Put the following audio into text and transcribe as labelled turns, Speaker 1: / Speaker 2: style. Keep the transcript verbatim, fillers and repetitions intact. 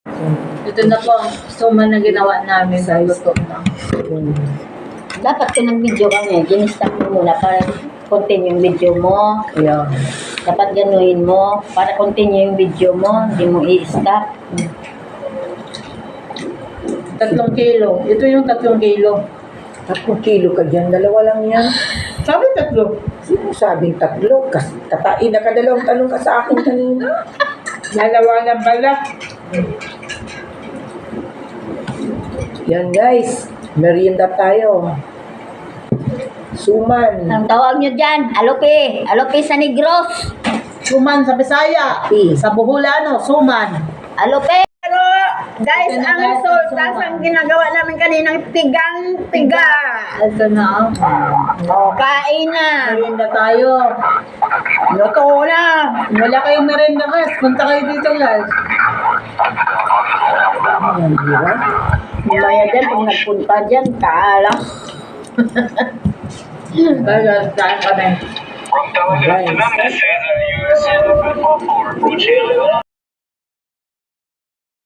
Speaker 1: Ito na po ang suman na ginawa namin. Luto na.
Speaker 2: Dapat kung nag-video kami, ginistap mo muna para continue yung video mo.
Speaker 1: Yeah.
Speaker 2: Dapat ganuhin mo para continue yung video mo, hindi mo i-stop.
Speaker 1: Tatlong kilo. Ito yung tatlong kilo.
Speaker 3: Tatlong kilo ka dyan, dalawa lang yan.
Speaker 1: Sabi tatlo.
Speaker 3: Sino sabing tatlo? Kas, katain na ka, dalawang tanong ka sa akin kanina.
Speaker 1: Dalawa na balak.
Speaker 3: Yan guys, merienda tayo. Suman.
Speaker 2: Ang tawag nyo dyan, alope. Alope sa Negros.
Speaker 1: Suman sa Bisaya. Sa Boholano, suman.
Speaker 2: Alope. Pero guys,
Speaker 1: Ito na,
Speaker 2: ang
Speaker 1: guys,
Speaker 2: sultas
Speaker 1: ang suman.
Speaker 2: ang ginagawa namin kaninang tigang-tiga.
Speaker 1: Ito na.
Speaker 2: O, kain na.
Speaker 1: Merienda tayo.
Speaker 2: Luto na.
Speaker 1: Wala kayong merienda guys. Punta kayo dito guys.
Speaker 3: Yan, di ba?
Speaker 2: Mamaya dyan, pag nagpunta dyan, kaalam.
Speaker 1: Guys, kain kami.
Speaker 4: From Talaga to Memphis, U S A Football Tour approaching